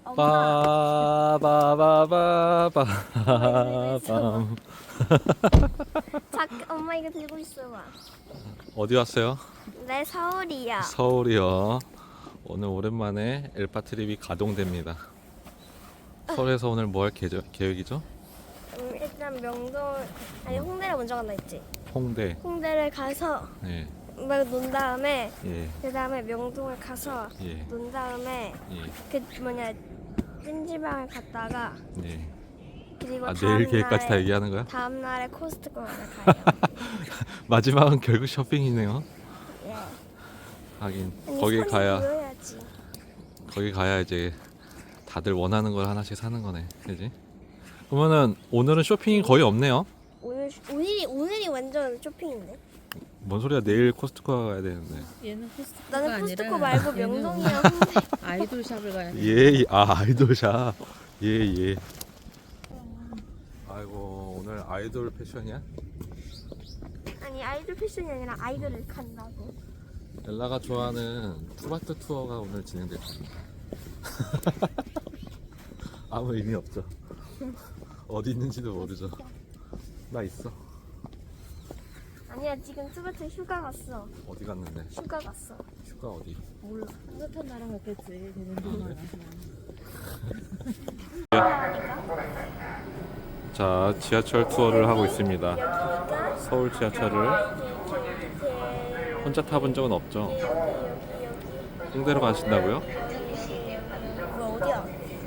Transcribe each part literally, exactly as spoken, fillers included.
엄마. 빠바바바바밤. 잠 엄마 이거 들고 있어봐. 어디 왔어요? 내 서울이야. 서울이요. 오늘 오랜만에 엘파 트립이 가동됩니다. 서울에서 오늘 뭐 할 계획이죠? 음, 일단 명동 아니 홍대를 먼저 간다 했지. 홍대. 홍대를 가서 예. 막 논 다음에 예. 그 다음에 명동을 가서 예. 논 다음에 예. 그 뭐냐 찜질방을 갔다가 예. 그리고 아, 다음 내일 계획까지 다 날에- 얘기하는 거야? 다음 날에 코스트코를 가요. 마지막은 결국 쇼핑이네요. 예. 하긴 아니, 거기 손이 가야 보여야지. 거기 가야 이제 다들 원하는 걸 하나씩 사는 거네, 그지? 그러면은 오늘은 쇼핑이 거의 없네요. 오늘 오늘이 오늘이 완전 쇼핑인데. 뭔 소리야? 내일 코스트코 가야 되는데. 얘는 코스트코가 나는 코스트코 아니라 말고 얘는 명동이랑 홍대. 아이돌 샵을 가야 돼. 예, 아 아이돌샵. 예, 예. 아이고 오늘 아이돌 패션이야? 아니 아이돌 패션이 아니라 아이돌을 간다고. 엘라가 좋아하는 투바트 투어가 오늘 진행됐습니다. 아무 의미 없죠. 어디 있는지도 모르죠. 나 있어. 아니야 지금 투바트 휴가 갔어. 어디 갔는데? 휴가 갔어. 휴가 어디? 몰라. 따뜻한 나라 갔겠지. 되는 동안. 자, 지하철 투어를 하고 있습니다. 여기가 서울 지하철을 이렇게 혼자 타본 적은 없죠? 여기 여기 여기 홍대로 가신다고요? 뭐 어디야?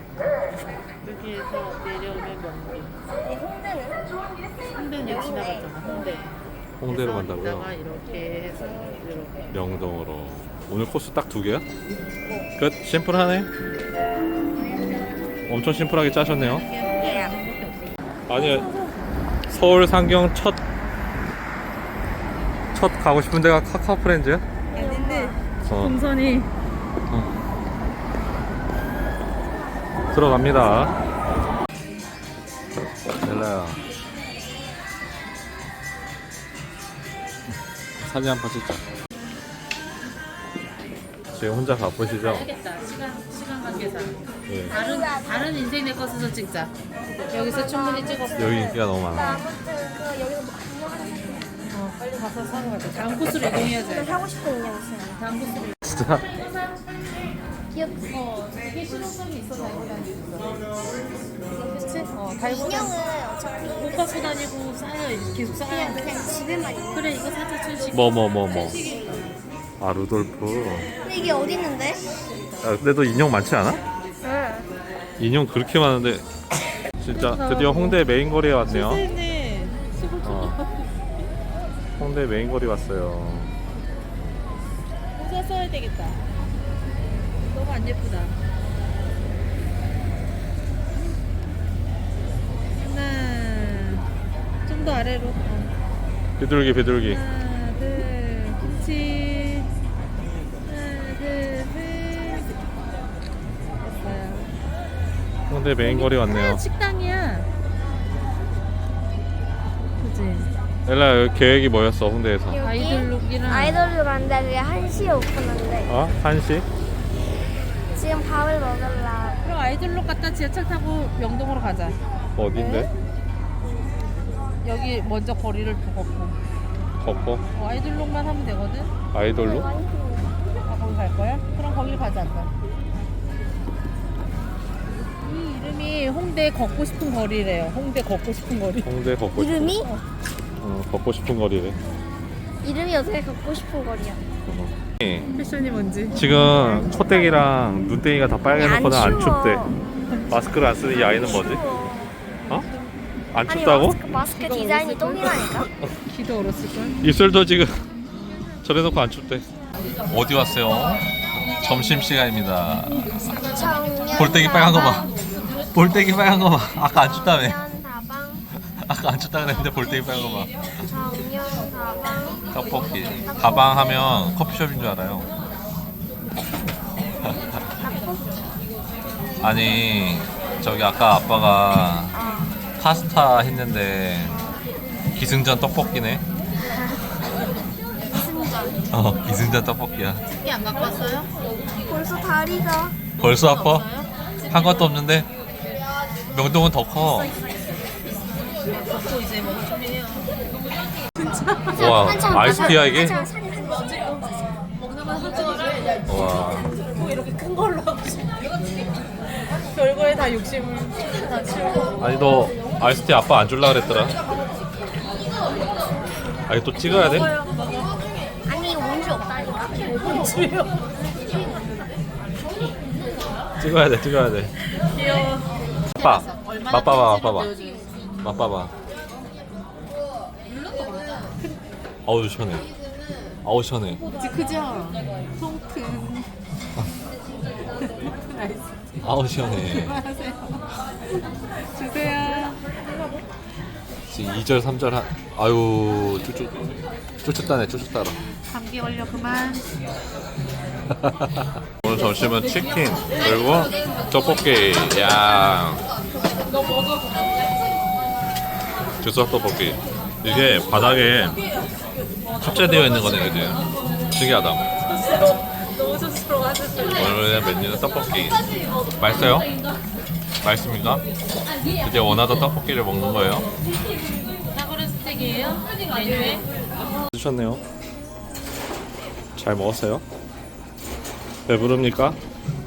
여기에서 내려오면 명동. 이 홍대는? 홍대는 여기 지나갔잖아. 홍대. 홍대로 그래서 간다고요? 이따가 이렇게 해서 이렇게. 명동으로. 오늘 코스 딱 두 개야? 끝? 심플하네? 엄청 심플하게 짜셨네요. 예. 아니, 서울 상경 첫, 첫 가고 싶은 데가 카카오 프렌즈야? 아닌데. 어, 동선이 들어갑니다. 엘라야. 사진 한 번 찍자. 지금 혼자 바쁘시죠? 알겠다. 시간 시간 관계상. 예. 다른 다른 인생 내 것에서 찍자. 여기서 충분히 찍었어. 여기 인기가 너무 나 많아. 아무튼 그 여기서 뭐 인형 하나 살게. 어, 빨리 가서 사러 가자. 다음 코스로 이동해야지. 나 사고 싶은 인형 있어요. 다음 코스로. 진짜? 귀엽지? 어, 되게 실용성이 있어 달고 다니면서. 그치? 어, 달고 인형은 다니. 어차피 못 갖고 다니고 쌓여 계속 쌓아야 그냥 돼. 그냥 집에만 있는. 그래 이거 사자 춘식. 뭐, 뭐, 뭐, 뭐. 아, 루돌프. 근데 이게 어디 있는데? 야, 근데 너 인형 많지 않아? 응. 인형 그렇게 많은데. 진짜 드디어 홍대 메인 거리에 왔네요. 네 시골 쪽. 어. 홍대 메인 거리 왔어요. 모자 써야 되겠다. 너무 안 예쁘다. 하나, 좀 더 아래로. 어. 비둘기, 비둘기. 하나, 둘, 김치. 하나, 둘, 셋. 됐어요. 홍대 메인 거리 왔네요. 아, 식당이야. 그치? 엘라 여기 계획이 뭐였어 홍대에서? 여기 아이돌룩이랑. 아이돌로 간다. 그게 한 시에 오픈한대. 어? 한시? 지금 밥을 먹을라. 그럼 아이돌룩 갔다 지하철 타고 명동으로 가자. 어딘데? 여기 먼저 거리를 걷고. 걷고? 어, 아이돌룩만 하면 되거든. 아이돌로? 아, 거기 갈 거야? 그럼 거길 가자. 아까. 이 이름이 홍대 걷고 싶은 거리래요. 홍대 걷고 싶은 거리. 홍대 걷고 싶은 이름이? 어, 걷고 싶은 거리래. 이름이 어떻게 갖고 싶은 거리야? 예. 패션이 뭔지. 지금 콧대기랑 눈대기가 다 빨개놓고는 안 추워. 춥대. 마스크를 안 쓰는 이 아이는 뭐지? 추워. 어? 안 아니 춥다고? 마스크, 마스크 디자인이 똥이라니까? 키도 얼었을걸? 입술도 지금 저래놓고 안 춥대. 어디 왔어요? 점심시간입니다. 청년 볼때기 빨간 거 봐. 볼때기 빨간 거 봐. 아까 안 춥다며. 청년 다방 아까 안 춥다 그랬는데 볼때기 빨간 거 봐. 청년 다방 떡볶이. 가방 하면 커피숍인 줄 알아요. 아니 저기 아까 아빠가 파스타 했는데 기승전 떡볶이네. 승전 어 기승전 떡볶이야. 집게 안 갖고 왔어요? 벌써 다리가 벌써 아파? 집게 한 것도 없는데 명동은 더 커. 또 이제 뭐 준비해요. 와 아이스티야 이게? 한참 살이 한 먹는 건 하지. 와 뭐 이렇게 큰 걸로 하고 싶어. 별거에 다 욕심을 다 치우고. 아니 너 아이스티 아빠 안 줄라 그랬더라. 아니 또 찍어야 돼? 아니 온수 없다니까. 찍어야 돼 찍어야 돼. 귀여워. 아빠 얼마나 맛봐봐 팬티를 맛봐봐 보여주겠어. 맛봐봐. 아우 시원해. 아우 시원해. 그치 크죠? 통큰. 나이스. 아우 시원해. 하세요. 주세요. 지금 이 절 삼 절 한 아유 쭈쭈 쭈쭈따네 쭈쭈따라. 감기 걸려 그만. 오늘 점심은 치킨 그리고 떡볶이 야 즉석 떡볶이. 이게 바닥에 탑재되어 있는 거네 그지? 신기하다. 너무 스스로 하셨어요. 오늘의 메뉴는 떡볶이. 맛있어요? 맛있습니까? 이제 원하던 떡볶이를 먹는 거예요. 사골은 스틱이에요? 메뉴에? 드셨네요. 잘 먹었어요? 배부릅니까?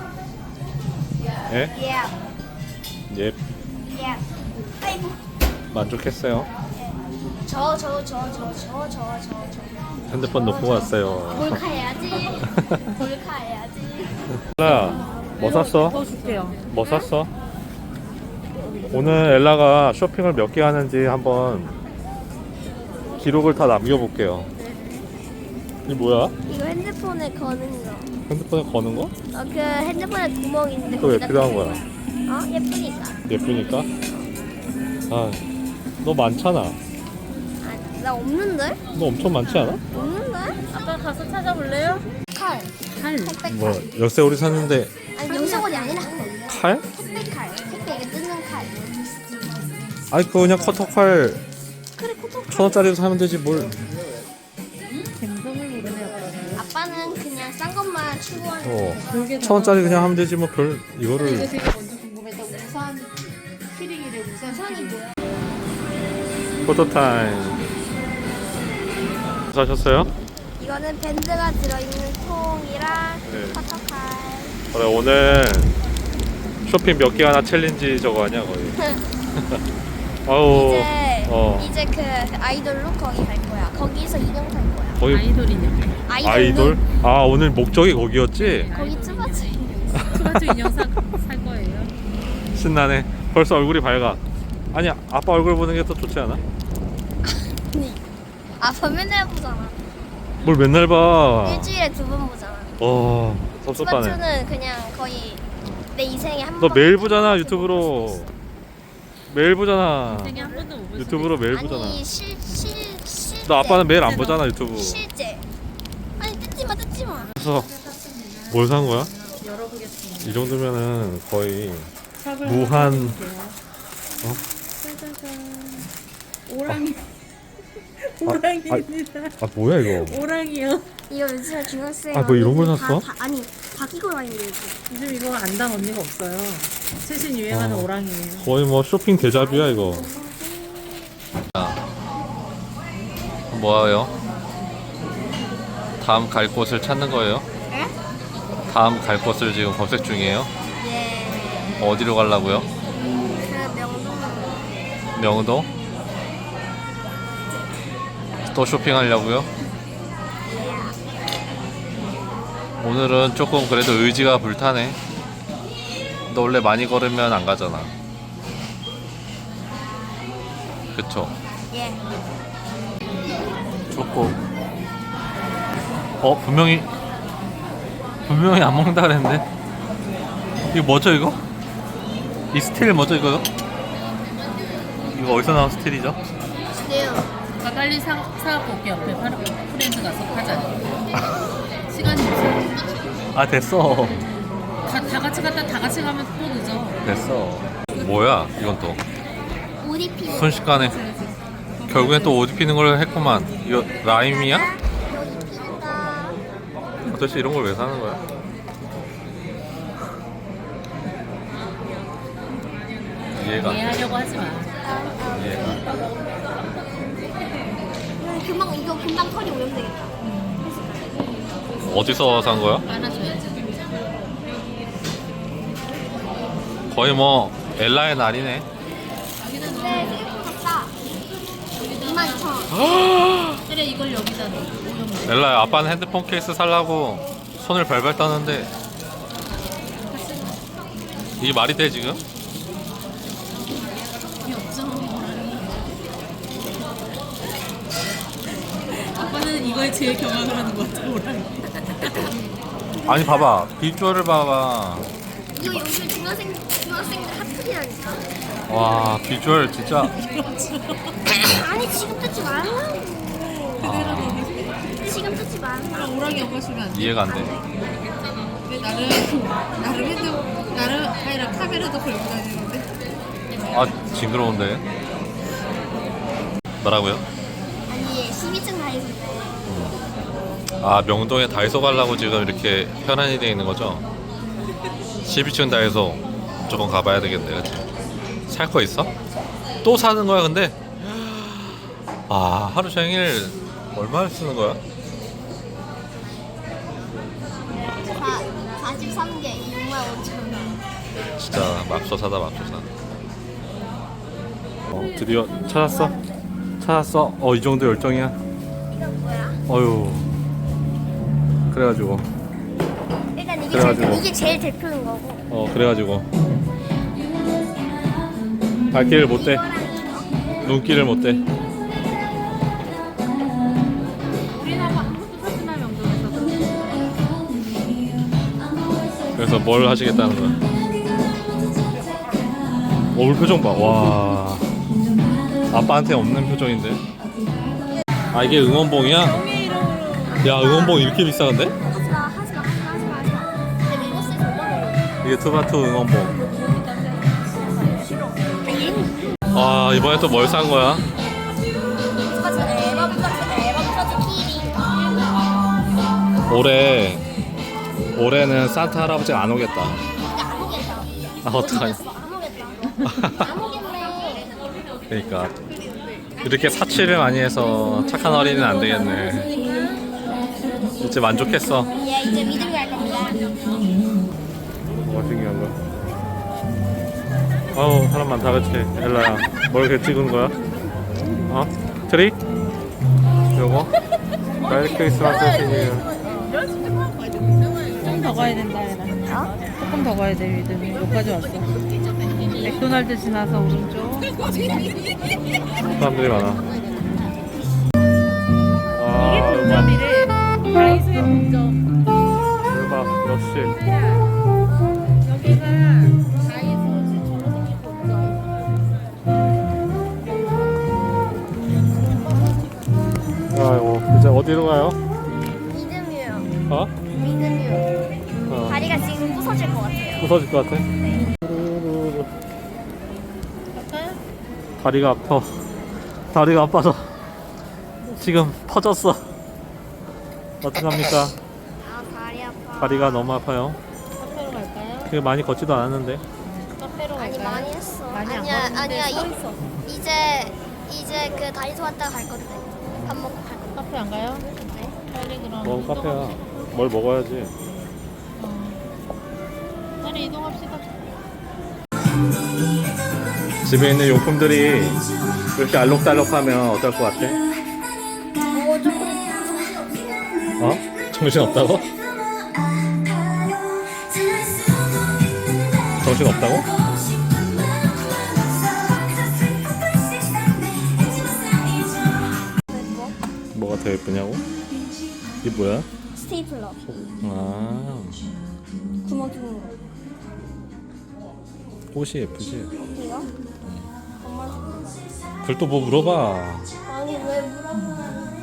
예? Yeah. 예. Yeah. 아이고. 만족했어요. 저 저 저 저 저 저 저 저. 핸드폰 놓고 왔어요. 몰카해야지. 몰카해야지. 엘라, 뭐 샀어? 더 줄게요. 뭐 샀어? 오늘 엘라가 쇼핑을 몇 개 하는지 한번 기록을 다 남겨볼게요. 이게 뭐야? 이거 핸드폰에 거는 거. 핸드폰에 거는 거? 어, 그 핸드폰에 구멍 있는데 그거 왜 거기다 필요한 꽂는 거야? 어? 예쁘니까. 예쁘니까? 아, 너 많잖아. 아, 나 없는데? 너 엄청 많지 않아? 없는데? 아빠 가서 찾아볼래요? 칼. 칼. 택배 뭐 칼. 열쇠고리 샀는데 아니 영상원이 아니라 칼? 택배 칼. 택배 이게 뜯는 칼. 아니 그거 그냥 커터칼 그래 코토. 천 원짜리로 사면 되지 뭘. 갬성을 모르네 아빠는. 아빠는 그냥 싼 것만 추구하는. 어. 그러게 천 원짜리 그냥 하면 되지 뭐 별 이거 이거를. 되게 먼저 궁금했다. 우산 키링이래. 우산 우산이 키링. 뭐야? 포토타임. 사셨어요? 이거는 밴드가 들어있는 통이랑 네. 커터칼. 그래 오늘 쇼핑 몇 개 하나 챌린지 저거 아니야 거의. 아우 이제 어 이제 그 아이돌로 거기 갈 거야. 거기서 인형 살 거야. 거기 아이돌이냐? 아이돌로? 아이돌? 아 오늘 목적이 거기였지? 거기 쭈바쭈 투바투 인형 사, 살 거예요. 신나네. 벌써 얼굴이 밝아. 아니 아빠 얼굴 보는 게 더 좋지 않아? 아빠 맨날 보잖아. 뭘 맨날 봐. 일주일에 두 번 보잖아. 어 섭섭하네. 쭈바쭈는 그냥 거의 내 인생에 한 너 번. 매일 보잖아 유튜브로. 매일 보잖아. 생에 한 번도 못 보시네. 유튜브로 매일 보잖아. 아니 실실 실제. 너 아빠는 매일 안 보잖아 유튜브. 실제. 아니 뜯지 마 뜯지 마. 그래서 뭘 산 거야? 열어보겠습니다. 이 정도면은 거의 샵을 무한- 한번 볼게요. 어? 짜자잔. 오랑이. 아, 오랑이입니다. 아 뭐야 이거? 오랑이요. 이거 요즘에 중학생. 아, 뭐 이런 걸 샀어? 다, 다, 아니 바뀌고 다니는 거지. 요즘 이거 안단 언니가 없어요. 최신 유행하는 어. 오랑이에요. 거의 뭐 쇼핑 대자뷰야 이거. 뭐예요? 다음 갈 곳을 찾는 거예요? 에? 다음 갈 곳을 지금 검색 중이에요? 예. 어디로 가려고요? 그 명동. 명동? 또 쇼핑하려고요? 오늘은 조금 그래도 의지가 불타네. 너 원래 많이 걸으면 안 가잖아. 그쵸? 예. 조금. 어 분명히 분명히 안 먹는다 그랬는데. 이거 뭐죠 이거? 이 스틸 뭐죠 이거? 이거 어디서 나온 스틸이죠? 네요. 아, 빨리 사, 사갖고 올게. 옆에 파르 프렌즈 가서 하자. 시간이 없어. 아 됐어 다, 다 같이 갔다 다 같이 가면 또 늦어. 됐어. 뭐야 이건 또 옷 입히는. 순식간에 결국엔 또 옷 입히는 걸 했구만. 이거 라임이야? 옷 입힌다. 도대체 이런 걸 왜 사는 거야? 이해가 안 돼. 이해하려고 하지 마. 이해가 안 돼. 이거 금방 이거 금방 털이 오면 되겠다. 어디서 산 거야? 안아줘야지. 거의 뭐 엘라의 날이네. 네, 생각보다 싸. 이만 이천 원. 그래 이걸 여기다 넣어. 엘라야, 아빠는 핸드폰 케이스 살라고 손을 발발 떠는데 이게 말이 돼 지금? 이게 없죠. 아빠는 이거에 제일 경악을 하는 것 같아. 오랑이. 아니 봐봐, 비주얼을 봐봐. 이거 요즘 중학생 중학생들 핫플이라니까. 와, 비주얼 진짜. 아니 지금 뜯지 말라고. 지금 뜯지 말라. 오랑이 엄마 주면 안 돼. 이해가 안 돼. 근데 나름 나름 핸드 나름 아니라 카메라도 걸고 다니는데. 아, 징그러운데. 뭐라고요? 아니 십이층 다이소인데. 아, 명동에 다이소 가려고 지금 이렇게 편안히 돼 있는 거죠? 십이 층 다이소 무조건 가봐야 되겠네, 그치? 살 거 있어? 또 사는 거야, 근데? 아, 하루 종일 얼마를 쓰는 거야? 사십삼 개 육만 오천 원. 진짜 맙소사다, 맙소사. 어, 드디어 찾았어? 찾았어? 어, 이 정도 열정이야? 이건 뭐야? 어휴. 그래가지고 일단 이게 그래가지고. 제일, 이게 제일 대표인 거고. 어 그래가지고 발길을 못대, 눈길을 못대. 우리나라 아무것도 사지 마 명동에서. 그래서 뭘 하시겠다는 거야? 어, 우리 표정 봐. 와, 아빠한테 없는 표정인데. 아, 이게 응원봉이야? 야, 응원봉 이렇게 비싸던데? 하지마 하지마 하지마 하지마 하지마. 근데 이거 쓰지 얼마나 이게 투바투 응원봉. 싫어. 아 얘는 아, 이번에 또 뭘 산 거야? 똑같이 앨범 똑같이 앨범 터치 키링. 올해 올해는 산타 할아버지가 안 오겠다. 근데 안 오겠다. 아, 어떡하냐. 안 오겠다. 안 오겠네. 그러니까 이렇게 사치를 많이 해서 착한 어린이는 안 되겠네. 이제 만족했어. 예 이제 믿음이 갈 겁니다. 뭐가 신기한 거야? 아우, 사람 많다, 그치? 엘라야, 뭘 이렇게 찍은 거야? 어? 트리? 요거? 메리 크리스마스 시니어. 좀 더 가야 된다 얘라. 어? 조금 더 가야 돼 믿음이. 여기까지 왔어. 맥도날드 지나서 오른쪽. 사람들이 많아. 아, 음악. 점이래. 다이소의 본점. 대박, 역시. 여기가 다이소 최초로 생긴 본점. 아이고, 이제 어디로 가요? 믿음이요. 어? 믿음이요. 어. 다리가 지금 부서질 것 같아요. 부서질 것 같아? 갈까요? 다리가 아파. 다리가 아파서 지금 퍼졌어. 어떡합니까? 아 다리 아파. 다리가 너무 아파요. 카페로 갈까요? 되게 많이 걷지도 않았는데. 카페로 아니 갈까요? 많이 했어. 많이 안 아니야 걸었는데 아니야 서 이, 있어. 이제 이제 그 다이소 왔다가 갈 건데 밥 먹고 갈 건데. 카페 안 가요? 네. 빨리 그럼. 뭐 이동합시다. 카페야. 뭘 먹어야지. 어. 빨리 이동합시다. 집에 있는 용품들이 이렇게 알록달록하면 어떨 것 같아? 어 조금 정신없어. 어? 정신 없다고? 정신 없다고? 뭐? 뭐가 더 예쁘냐고? 이게 뭐야? 스테이플러. 아, 구멍 뚫는 거. 꽃이 예쁘지? 이거? 엄마. 그걸 또 뭐 물어봐. 아니 왜 물어봐?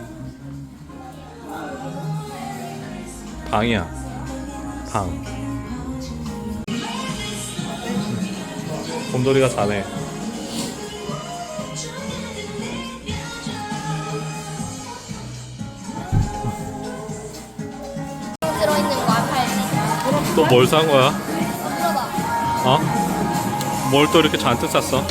방이야. 방. 곰돌이가 자네. 들어있는 거 팔지. 또 뭘 산 거야? 물어봐. 어? 뭘 또 이렇게 잔뜩 샀어?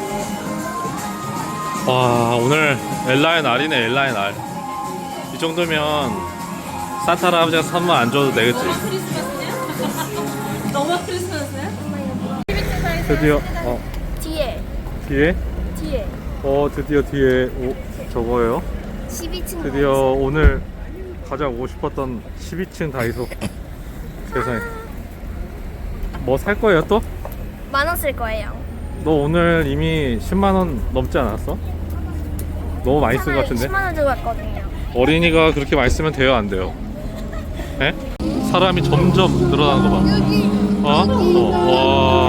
와, 오늘 엘라의 날이네. 엘라의 날. 이 정도면 산타 할아버지가 선물 안 줘도 되겠지. 크리스마스냐? 너무 크리스마스야? 드디어 어 뒤에 뒤에 뒤에 어 드디어 뒤에 오, 저거예요. 십이 층 드디어 오늘 가장 오고 싶었던 십이 층 다이소. 세상에. 뭐 살 거예요 또? 만원 쓸 거예요. 너 오늘 이미 십만 원 넘지 않았어? 너무 많이 쓴 것 같은데? 십만 원 주고 갔거든요. 어린이가 그렇게 많이 쓰면 돼요 안 돼요? 에? 사람이 점점 늘어나는 거 봐. 어? 어, 와.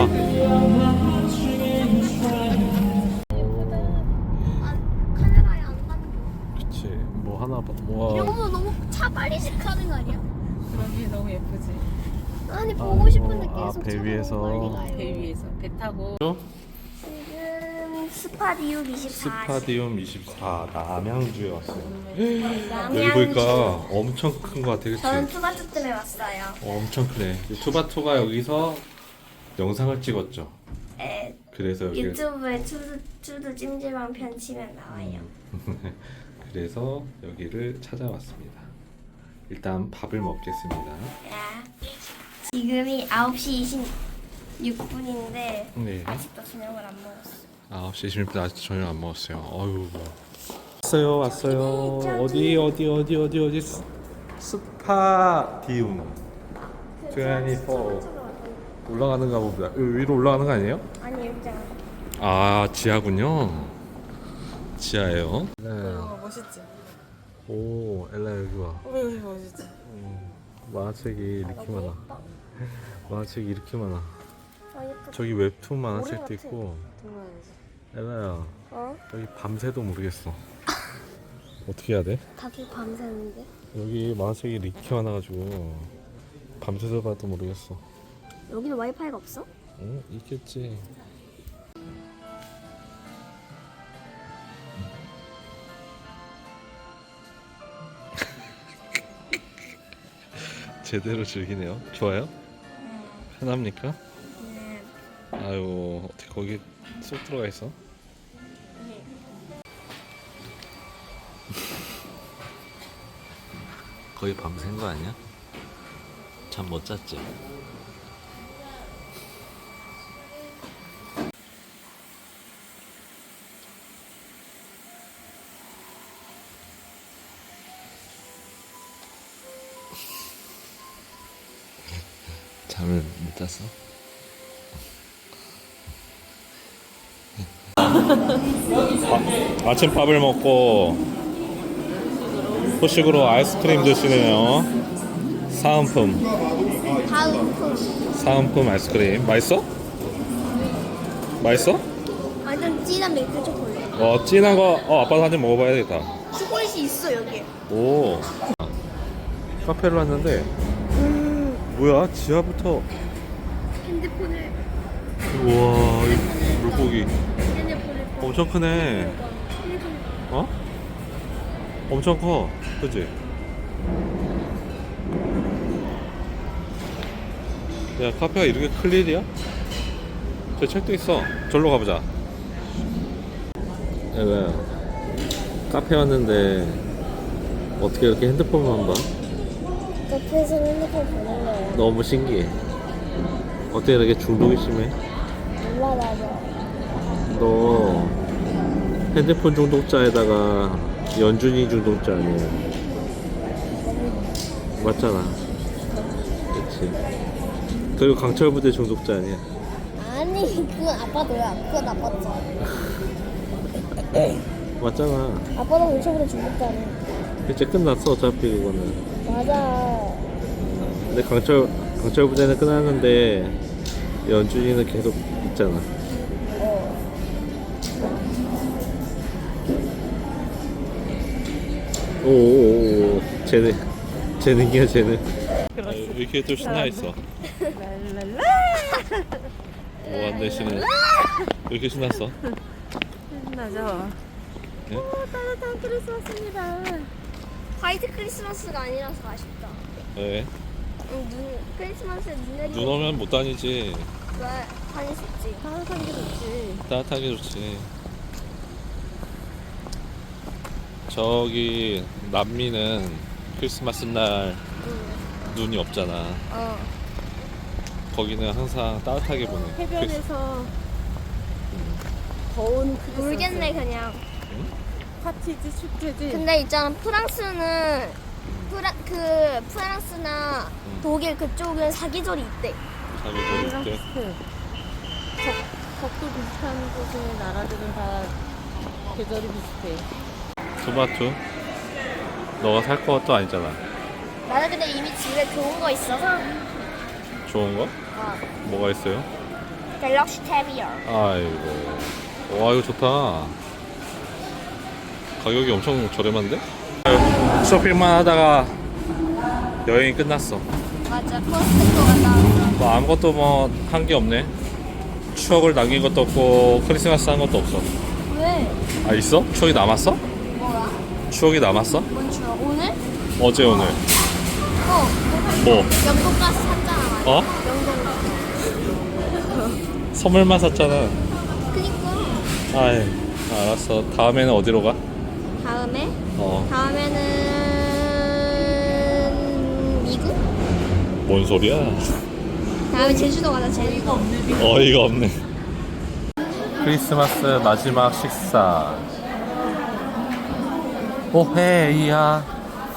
아, 카메라에 안 담겨. 그치. 뭐 하나 봐. 이런 와. 거 너무 차 빨리 시작하는 거 아니야? 그러기 너무 예쁘지. 아니 보고 싶은데 아, 계속 배 차가 위에서. 너무 빨리 가요. 배 위에서 배 타고. 지금 스파디움 이십사. 스파디움 이십사 남양주에 왔어요. 여기 남양주. 보니까 엄청 큰 거 같아, 그치? 저는 투바투 때문에 왔어요. 어, 엄청 크네. 투바투가 여기서 영상을 찍었죠. 에, 그래서 여기 유튜브에 투두, 투두 찜질방 편 치면 나와요. 그래서 여기를 찾아왔습니다. 일단 밥을 먹겠습니다. 야. 지금이 아홉 시 이십육 분인데 네. 아직도 저녁을 안 먹었어. 아홉 시 이십 분 아직 저녁 안 먹었어요. 어휴. 왔어요, 왔어요. 어디, 어디, 어디, 어디, 어디? 스, 스파디움. 이십사. 올라가는가 보다. 여기 위로 올라가는 거 아니에요? 아니 여기 있잖아. 아, 지하군요. 지하예요. 네. 어, 멋있지. 오, 엘라 여기 와. 어, 여기 멋있지. 음, 만화책이 이렇게 많아. 만화책이 이렇게 많아. 아 예쁘다. 저기 웹툰 만화책도 같아. 있고. 동물원이지. 엘라야, 어? 여기 밤새도 모르겠어. 어떻게 해야 돼? 다들 밤새는데? 여기 만화책이 이렇게 많아가지고 밤새서 봐도 모르겠어. 여기는 와이파이가 없어? 응? 있겠지. 제대로 즐기네요. 좋아요? 편합니까? 네. 아유, 어떻게 거기 쏙 들어가 있어? 거의 밤샌 거 아니야? 잠 못 잤지? 잠을 못 잤어? 아, 아침밥을 먹고 후식으로 아이스크림 드시네요. 사은품 다음 품. 사은품 아이스크림 맛있어? 맛있어? 완전 진한 밀크 초콜릿. 어, 진한 거. 어, 아빠도 한 잔 먹어봐야 되겠다. 초콜릿이 있어 여기. 오, 카페를 왔는데 뭐야? 지하부터. 핸드폰을 우와, 이 물고기 핸드폰을 엄청 크네. 어? 엄청 커, 그치? 야, 카페가 이렇게 클 일이야? 저 책도 있어. 절로 가보자. 야, 왜? 카페 왔는데 어떻게 이렇게 핸드폰만 봐? 카페에서 핸드폰 보는 거야. 너무 신기해. 어떻게 이렇게 중독이 심해? 몰라 나도. 너 핸드폰 중독자에다가 연준이 중독자 아니야? 맞잖아. 그치. 그리고 강철부대 중독자 아니야? 아니 그건 아빠 너야. 그건 아빠 거. 맞잖아. 아빠도 물체보다 중독자네. 이제 끝났어 어차피 그거는. 맞아. 근데 강철 강철부대는 끝났는데 연준이는 계속 있잖아. 어. 오오오 쟤는 재능이야 재능. 아, 왜 이렇게 또 신나 있어? 뭐안 되시네. 왜 이렇게 신났어? 신나죠? 네? 따뜻한 크리스마스입니다. 화이트 크리스마스가 아니라서 아쉽다. 왜? 응, 눈 크리스마스에 눈 내리고. 눈 오면 못 다니지. 왜? 다닐 수 있지. 따뜻한 게 좋지. 따뜻하게 좋지. 저기 남미는 크리스마스 날 눈이 없잖아. 어. 거기는 항상 따뜻하게 보내. 해변에서 더운 크리스마스. 모르겠네 그냥. 파티지 축제지. 근데 있잖아 프랑스는 프라 그 프랑스나 음. 독일 그쪽은 사계절이 있대. 자기 우리랑 저기 때 비슷해. 적, 적도 비슷한 곳의 나라들은 다 계절이 비슷해. 토마토. 너가 살 것도 아니잖아. 나는 근데 이미 집에 좋은 거 있어서. 좋은 거? 어. 뭐가 있어요? 갤럭시 탭이요. 아이고. 와 이거 좋다. 가격이 엄청 저렴한데? 쇼핑만 하다가 여행이 끝났어. 맞아 코스트코 갔다 왔어. 뭐 아무것도 뭐 한 게 없네. 추억을 남긴 것도 없고 크리스마스 한 것도 없어. 왜? 아 있어? 추억이 남았어? 뭐야? 추억이 남았어? 뭔 추억? 오늘? 어제 오늘 어. 뭐? 영국 가서 샀잖아. 맞아. 어? 영국. 선물만 샀잖아. 그니까. 아이 알았어. 다음에는 어디로 가? 다음에? 어. 다음에는 미국? 뭔 소리야? 다음에 제주도 가자 제주도. 어이가 없네. 크리스마스 마지막 식사. 오헤이야.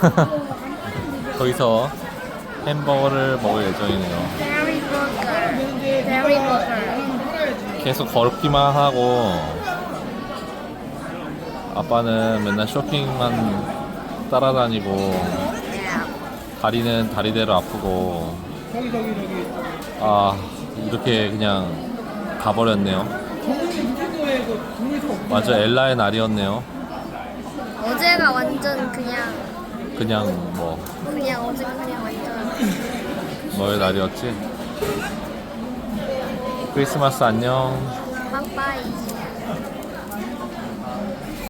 거기서 햄버거를 먹을 예정이네요. 베리 버거. 베리 버거. 계속 걸기만 하고 아빠는 맨날 쇼핑만 따라다니고 다리는 다리대로 아프고 아 이렇게 그냥 가버렸네요. 맞아 엘라의 날이었네요. 어제가 완전 그냥 그냥 뭐 그냥 어제가 그냥 완전 뭐의 날이었지? 크리스마스 안녕. 빵빠이.